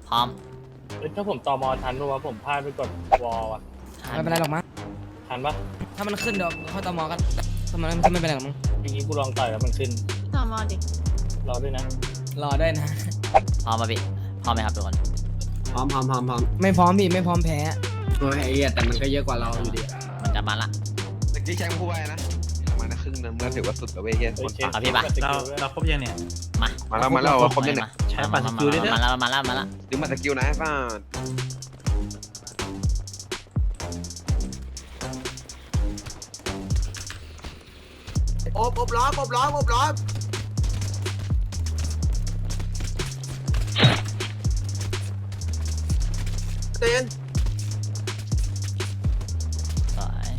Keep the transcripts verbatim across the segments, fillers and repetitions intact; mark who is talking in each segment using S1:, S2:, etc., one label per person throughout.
S1: พร้อม
S2: ถ้าผมต่อมอทันเพราะว่าผมพลาดไปกดวอลอ่ะ
S3: ไม่เป็นไรหรอกมั้ง
S2: ทันปะ
S3: ถ้ามันขึ้นเดี๋ยวเข้าตอมอกันถ้ามันถ้าไม่เป็นไรหรอกมั้ง
S2: ทีนี้กูลองต่อยแล้วมันขึ้น
S4: ต่อมอดิ
S2: รอด้วยนะ
S3: รอด้วยนะ
S1: พร้อมป่ะพี่พร้อมไหมครับทุกคน
S5: พร้อมพร้อมพร้อมพร้อม
S3: ไม่พร้อมพี่ไม่พร้อมแพ้
S5: โอ้ยไอ้เหี้ยแต่มันก็เยอะกว่าเราอยู่ดี
S1: มันจะมาละ
S6: ตะกี้แชมป์คู่ไว้นะมานะครึ่งนึงเมื่อถือว่าสุดแล้วเว้ยเฮียคน
S1: ครับพี่ป่ะ
S2: เราเราครบยังเนี่ย
S1: มา
S6: มาแล้วมาแล้วครบยังเนี่ย
S1: ใช้ปัดสกิลได้ด้วยมาแล้วมาแล้วมาแล้ว
S6: ดึงมาสกิลนะป้า
S5: โอบอบล้อมอบล้อมอบล้อมเต้น
S1: สวย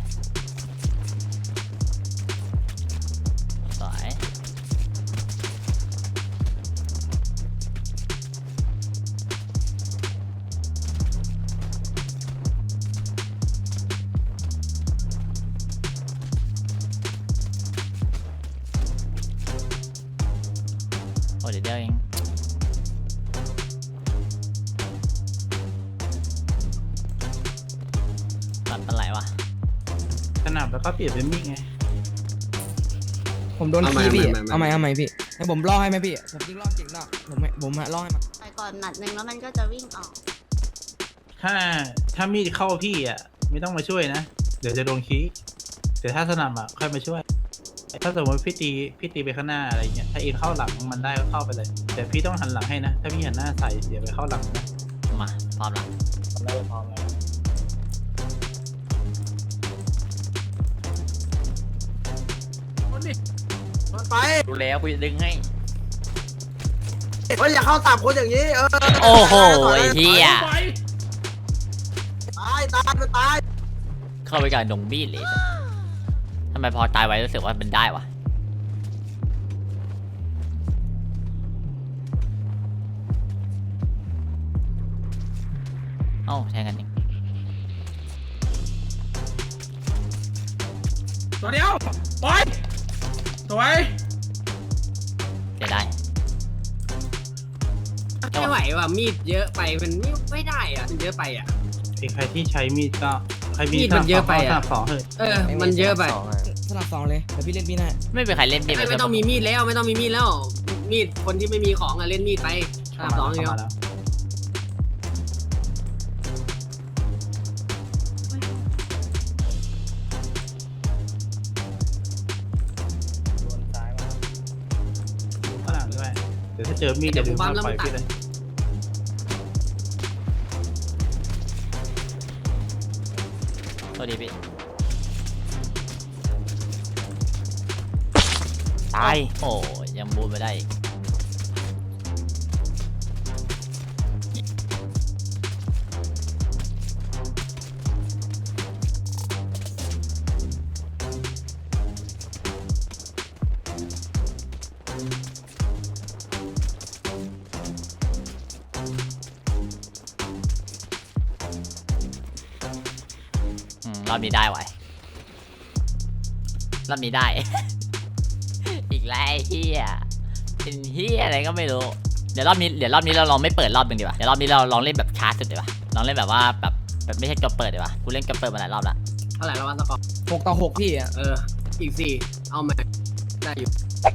S1: สวยโอ้เดี๋ยวเดียวเองตัดเป็นไรวะ
S2: สนับแล้วก็เปลี่ยนเป็นมิกไง
S3: ผมโดนขี้พี่เอาไหมเอาไหมพี่ให้ผมล่อให้ไหมพี่ผมยิงล่อเก่งล่อผมผมฮะล่อให้มา
S4: ไปก่อนหนัดหนึ่งแล้วมันก็จะวิ่งออก
S2: ถ้าถ้ามีดเข้าพี่อ่ะไม่ต้องมาช่วยนะเดี๋ยวจะโดนขี้แต่ถ้าสนับอ่ะค่อยมาช่วยถ้าสมมติพี่ตีพี่ตีไปข้างหน้าอะไรเงี้ยถ้าเอ็นเข้าหลังมันได้ก็เข้าไปเลยแต่พี่ต้องหันหลังให้นะถ้าพี่หันหน้าใส่เดี๋ยวไปเข้าหลังนะ
S1: มาพร้อมละ
S2: พร้อมแล้วพร้อมแล้ว
S5: มันไป
S1: ดูแล้วกูจะดึงให้
S5: เฮ้ยอย่าเข้าตามคนอย่างนี้เออ
S1: โอ้โหไอ้เหี้ย
S5: ตายตายมันตาย
S1: เข้าไปกับดงบี้เลยทำไมพอตายไว้รู้สึกว่ามันได้วะเอ้าแทงกันเอง
S2: ตัวเดียวปล่อยสวย
S1: เสียได้
S5: ไม่ไหวว่ะมีดเยอะไปมันไม่ไม่ได้อ่ะมันเยอะไปอ่ะ
S2: ไอ้ใครที่ใช้มีดก็ใครมี
S5: ดมันเยอะไปอ่ะ
S2: สอง
S5: เออมันเยอะไป
S3: สลับสองเลยเดี๋ยวพี่เล่นพี่หน้า
S1: ไม่เป็นใครเล่นมีด
S5: ไม่ต้องมีมีดแล้วไม่ต้องมีมีดแล้วมีดคนที่ไม่มีของอ่ะเล่นมีดไปสลับสองเดียว
S2: เดี๋ยวถ้าเจอมีดจะดึงมาปล่อยพี่เลย
S1: สวัสดีพี่ตายโอ้ยังบูนไม่ได้รอบนี้ได้ไว้รอบนี้ได้ อีกแล้วเฮียเป็นเฮียอะไรก็ไม่รู้เดี๋ยวรอบนี้เดี๋ยวรอบนี้เราลองไม่เปิดรอบนึงดีกว่าเดี๋ยวรอบนี้เราลองเล่นแบบช้าสุดดีกว่าลองเล่นแบบว่าแบบแบบไม่ใช่จบเปิดดีกว่ากูเล่นจบเปิดมาหลายรอบละ
S5: เท่าไหร่แล้ววันสกอร์
S3: หกต่อหกพี่อ่ะ
S5: เอออีกสี่เอามาได้อยู่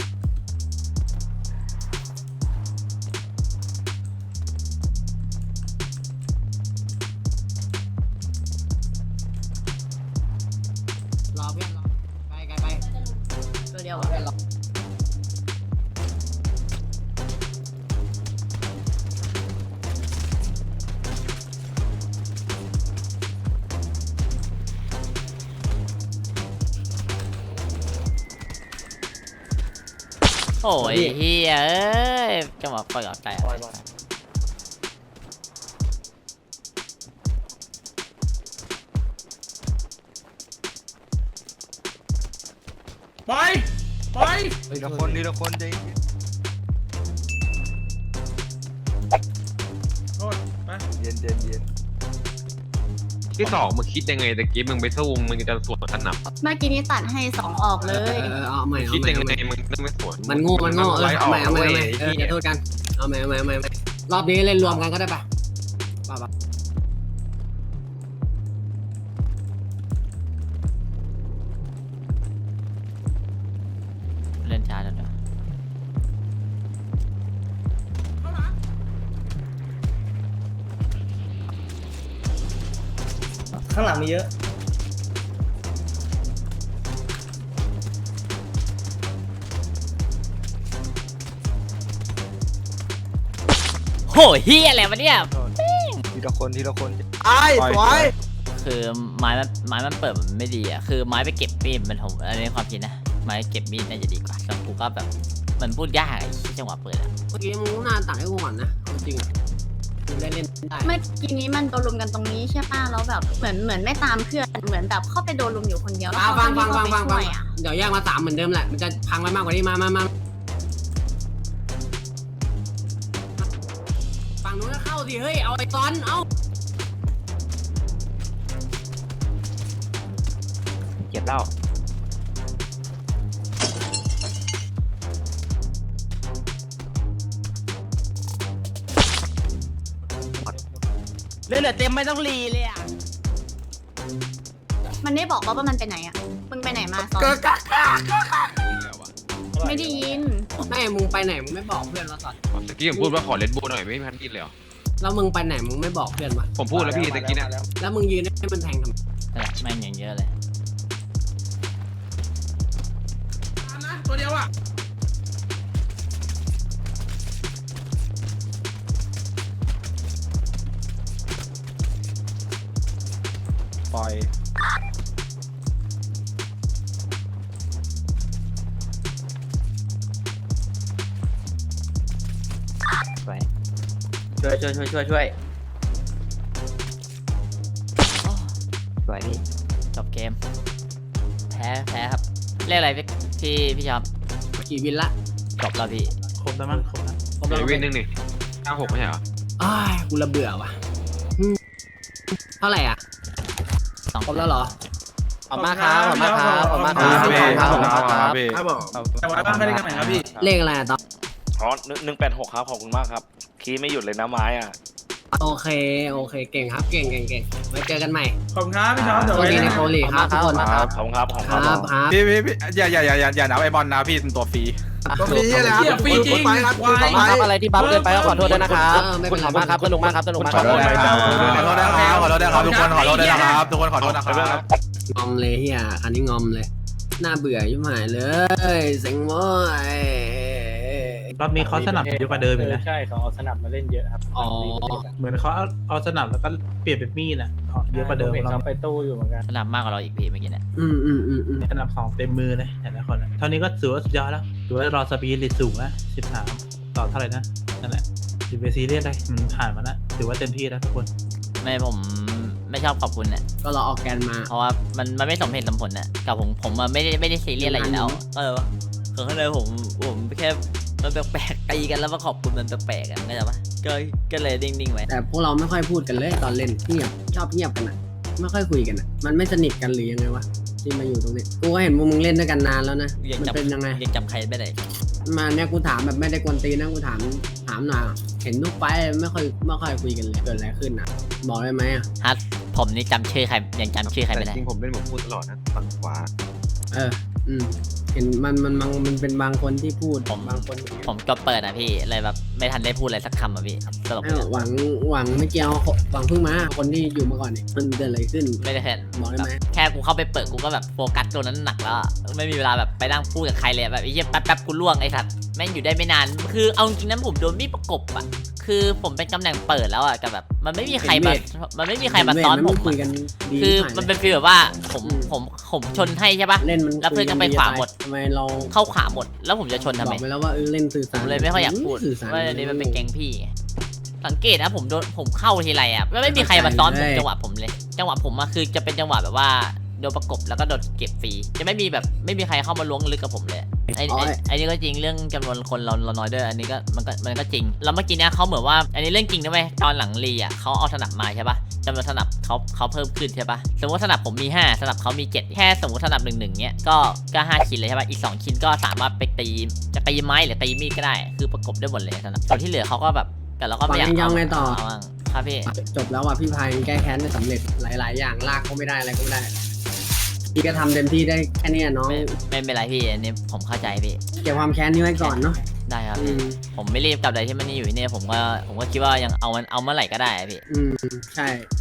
S5: รอเพื่อนรอไปไกลไป
S4: ตัวเดียว
S1: โอ้ยเฮียเอ้ยจะมาปล่อยกับไก่ไป
S2: ไป
S6: ทีละคนทีละคนจริงเย็นเย็นเย็นที่สองมึงคิดยังไงตะกี้มึงไปสู้มึงจะสวนขนาด
S4: เมื่อกี้นี้ตัดให้สองออกเลย
S5: เออเอาใหม่
S6: คิดยังไงมึงไม่สวน
S5: มันโง่มันโง่เออเอาใหม่เอาใหม่เอาใหม่เอออย่าโทษกันเอาใหม่เอาใหม่เอาใหม่รอบนี้เล่นรวมกันก็ได้ปะป่ะป่ะ
S1: เล่นช้าจังเลย
S3: ข้างหลังมีเยอะ
S1: โหเฮียอะไรวะเนี่ย
S7: ทีละคนทีละคน
S3: ไอ้สวย
S1: คือไม้มันไม้มันเปิดมันไม่ดีอ่ะคือไม้ไปเก็บมีดมันผมอันนี้ความคิดนะไม้เก็บมีดน่าจะดีกว่าแต่กูก็แบบมันพูดยากไอ้ที่จังหวะเปิดอ่ะ
S5: เมื่อกี้มึงน่าตัดให้กูก่อนนะเอาจริงอ่ะมึงได้เล่นได้
S4: เมื่อกี้นี้มันโดนลุมกันตรงนี้ใช่ป่ะแล้วแบบเหมือนเหมือนไม่ตามเพื่อนเหมือนแบบเข้าไปโดนลุมอยู่คนเดียวแล้ว
S5: ฟัง
S4: เขา
S5: ฟัง
S4: ไม่
S5: ฟัง
S4: เข้า
S5: ฟัง
S4: ไป
S5: ฟัง
S4: ช่
S5: ฟัง
S4: วยอ่ะ
S5: เดี๋ยวแยกมาสามเหมือนเดิมแหละมันจะพังไปมากกว่านี้มามามาฝั่งนู้นก็เข้าสิเฮ้ยเอาไอ้ตอนเอา
S7: เก็บเหล้า
S3: เลือดเต็มไม่ต้องรีเลยอ่ะ
S4: มันไม่บอกว่ามันไปไหนอ่ะมึงไปไหนมาตอนไม่ได้ยิน
S5: แม่มึงไปไหนมึงไม่บอกเพื่อนวะสัตว์
S6: ตะกี้ผมพูดว่าขอเลดบูหน่อยไม่มีพันกินเลยเหรอ
S5: แล้วมึงไปไหนมึงไม่บอกเพื่อนวะ
S6: ผมพูดแล้วพี่ตะกี้เนี่ย
S5: แล้วมึงยืนให้มันแทงทำไม
S1: นั่นแหละแม่งอย่างเยอะเลย
S2: ตัวเดียวอ่ะ
S7: ปล่อยไปช่วยช่วยช่วยช่วยช่วย
S1: โอ้
S7: สวยพี่
S1: จบเกมแพ้แพ้ครับเรียกอะไรพี่พี่พี่ชอบ
S5: กี่วินละ
S1: จบแล้วพี่
S2: ครบแล้วมั้งครบแล้ว
S5: ผม
S6: เดี๋ยว
S5: เรา
S6: วินหนึ่งนี่เก้าหกไม่ใช่เหรอ
S5: อ้ายกูระเบื่อว่ะอืมเท่าไหร่อ่ะ
S1: สอง
S5: ครบแล้วเหรอ
S3: ขอบมากครับขอบมากครับขอบมากครับ
S7: ขอบคุณครับ
S2: ครับผมแต่ว่าบ้านไม่ได้กันไหนครับพี่
S5: เลขอะไรอะตอน
S7: อ๋อหนึ่งแปดหกครับขอบคุณมากครับคีย์ไม่หยุดเลยนะไม้อ่ะ
S5: โอเคโอเคเก่งครับเก่งเก่งเก่งไว้เจอกันใหม่
S2: ขอบคุณครับพี่น้อง
S5: สวัสดีในโคลีครับทุกคน
S7: ครับขอบคุณครับขอบคุณ
S5: ค
S7: ค
S5: รั
S7: รั
S5: บบ ครับ
S8: พี่พี่พี่อย่าอย่าอย่าอย่าอย่านับไอ้บอลนะพี่เป็นตัวฟรี
S5: ก็มีอะไรครับ
S2: ฟรีจริงไปครับ
S3: ขอบคุณครับอะไรที่บัฟเกินไปก็ขอโทษด้วยนะครับ
S5: เออไม่เป็นไร
S3: ขอบมากครับสนุกมากครับสนุกมากครับ
S8: ขอโทษนะครับขอโทษนะครับขอโทษนะครับทุกคนขอโทษด้วยนะครับทุกคนขอโทษนะครับ
S5: งอมเลยเฮียอันนี้งอมเลยน่าเบื่อยิ่งหายเลยเซ็งโว้ย
S2: รอบนี้เขาสนับเยอะกว่าเดิมอีกนะ
S9: ใช่เขาเอาสนับมาเล่นเยอะครับ
S5: อ๋อ
S2: เหมือนเขาเอาเอาสนับแล้วก็เปลี่ยนเป็นมีดอ่ะเอาเยอะกว่าเดิม
S9: ผมเห็น
S2: เรา
S9: เขาไปตู้อยู่เหมือนกัน
S1: สนามมากกว่าเราอีกพี่เมื่อกี้เนี่ย
S5: อืมอืมอืมอืม
S2: สนับของเต็มมือเลยแต่ละคนอะเท่านี้ก็ถือว่าสุดยอดแล้วถือว่ารอสปีริตสูงแล้วสิบสามต่อเท่าไหร่นะนั่นแหละสิบเบซีเรียสเลยมันผ่านมาแล้วถือว่าเต็มที่แล้วทุกคน
S1: ไม่ผมไม่ชอบขอบคุณเนี่ย
S5: ก็รอออกแกนมา
S1: เพราะว่ามันมันไม่สมเหตุสมผลน่ะกับผมผมอะไม่ได้ไม่ได้ซีเรียสอะไรอยู่แล้วเออคือข้างในผมผมแค่มันแปลกๆตีกันแล้วมาขอบคุณมันแปลกๆกันเข้าใจปะก็ก็เลยนิ่งๆไว้
S5: แต่พวกเราไม่ค่อยพูดกันเลยตอนเล่นเงียบชอบเงียบกันอ่ะไม่ค่อยคุยกันอ่ะมันไม่สนิทกันหรือยังไงวะที่มาอยู่ตรงนี้กูก็เห็นพวกมึงเล่นด้วยกันนานแล้วนะ
S1: ยัง
S5: มัน
S1: จำ
S5: เป็นยังไง
S1: ยังจำใครไม่ได้
S5: มาเนี่ยกูถามแบบไม่ได้กวนตีนนะกูถามถามหน่อยเห็นทุกไฟล์ไม่ค่อยไม่ค่อยคุยกันเลยเกิดอะไรขึ้นอ่ะ บอกได้ไหมอ่ะ
S1: ฮัทผมนี่จำชื่อใครยังจำชื่อใคร
S6: แต่
S1: ไม่ได้
S6: จริงผมเล่นผมพูดตลอดนะฝั่งขวา
S5: เออ อืมเห็นมันมันมันมันเป็นบางคนที่พูด
S1: ผม
S5: บางคน
S1: ผมก็เปิดอ่ะพี่เลยแบบไม่ทันได้พูดอะไรสักคำอ่ะพี่ตลก
S5: เอ้าหวังหวังไม่เกี่ยวหวังเพิ่งมาคนที่อยู่มาก่อนเนี่ยมันเกิดอะไรขึ้น
S1: ไม่ได้แค่
S5: บอกได้ไหม
S1: แค่กูเข้าไปเปิดกูก็แบบโฟกัสตัวนั้นหนักแล้วอะไม่มีเวลาแบบไปนั่งพูดกับใครเลยแบบไอ้เหี้ยแป๊บแป๊บกูล่วงไอ้สัตว์แม่งอยู่ได้ไม่นานคือเอาจริงๆนั้นผมโดนมีดประกบอ่ะคือผมเป็นตำแหน่งเปิดแล้วอ่ะกับแบบมันไม่มีใครมามันไม่มีใครมาซ้อนผม
S5: คุย
S1: อะ
S5: กันดี
S1: คือ
S5: หาย
S1: มันเป็นฟีลแบบว่าผมผมผมชนให้ใช่ปะ
S5: เล่นมัน
S1: แล้วเพื่อนก็ไปขวาหมด
S5: ทำไมเรา
S1: เข้าขวาหมด แล้วผมจะชนทำ
S5: บ
S1: ไม
S5: อกไปแล้วว่าเออเล่นสื่อ
S1: ผ
S5: สาร
S1: มเลยไม่ค่อยอยากพูด
S5: สื่อสาร
S1: ว่าอันนี้มันเป็นแกงพี่ สังเกตนะผมโดนผมเข้าทีไรอ่ะไม่มีใครมาซ้อนผมจังหวะผมเลย จังหวะผมอะคือจะเป็นจังหวะแบบว่าโดนประกบแล้วก็โดนเก็บฟรีจะไม่มีแบบไม่มีใครเข้ามาล้วงลึกกับผมเลยไอ้ไอ้ไอ้นี่ก็จริงเรื่องจำนวนคนเราเราน้อยด้วยอันนี้ก็มันก็มันก็จริงแล้วเมื่อกี้เนี่ยเขาเหมือนว่าอันนี้เรื่องจริงนะเว้ยตอนหลังรีอ่ะเขาเอาสนับมาใช่ปะจำนวนสนับเขาเขาเพิ่มขึ้นใช่ปะสมมติสนับผมมีห้าสนับเขามีเจ็ดแค่สมมติสนับหนึ่งหนึ่งเนี้ยก็ก็ห้าชิ้นเลยใช่ปะอีกสองชิ้นก็สามารถไปตีจะตีไม้หรือตีมีดก็ได้ คือประกบได้หมดเลยสนับส่วนที่เหลือเขาก็แบบแต่เราก็ไม่อยาก
S5: ยังไงต่อ
S1: เาบ้างครับพี่
S5: จบแล้วว่ะพี่พายแก้แค้นไม่สำเร็จหลาย ๆ อย่างลากก็ไม่ได้อะไรก็ไม่ได้พี่ก็ทำเต็มที่ได้แค่เนี้ยน้อง
S1: ไม่ไม่เป็นไรพี่อันนี้ผมเข้าใจพี่
S5: เก็บความแค้นนี้ไว้ก่อนเนาะ
S1: ได้ครับ
S5: อื
S1: พี่
S5: ม
S1: ผมไม่รีบกลับใดที่มันนี่อยู่ที่นี่ผมก็ผมก็คิดว่ายังเอามันเอาเมื่อไหร่ก็ได้อะพี่
S5: อืมใช่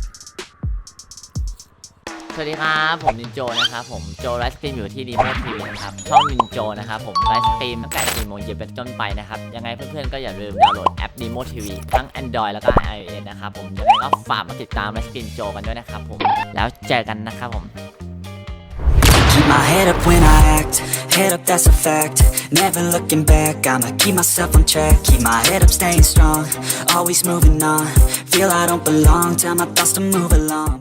S1: สวัสดีครับผมนินโจนะครับผมโจไลฟ์สตรีมอยู่ที่ดีโมทีวีนะครับช่องนินโจนะครับผมไลฟ์สตรีมตั้งแต่สี่โมงเย็นเป็นต้นไปนะครับยังไงเพื่อนๆก็อย่าลืมดาวน์โหลดแอปดีโมทีวีทั้ง Android แล้วก็ iOS นะครับผมยังไงก็ฝากมาติดตามไลฟ์สตรีมโจกันด้วยนะครับผมแล้วเจอกันนะครับผม
S10: Keep my head up when I act, head up that's a fact. Never looking back, I'ma keep myself on track. Keep my head up staying strong, always moving on. Feel I don't belong, tell my thoughts to move along.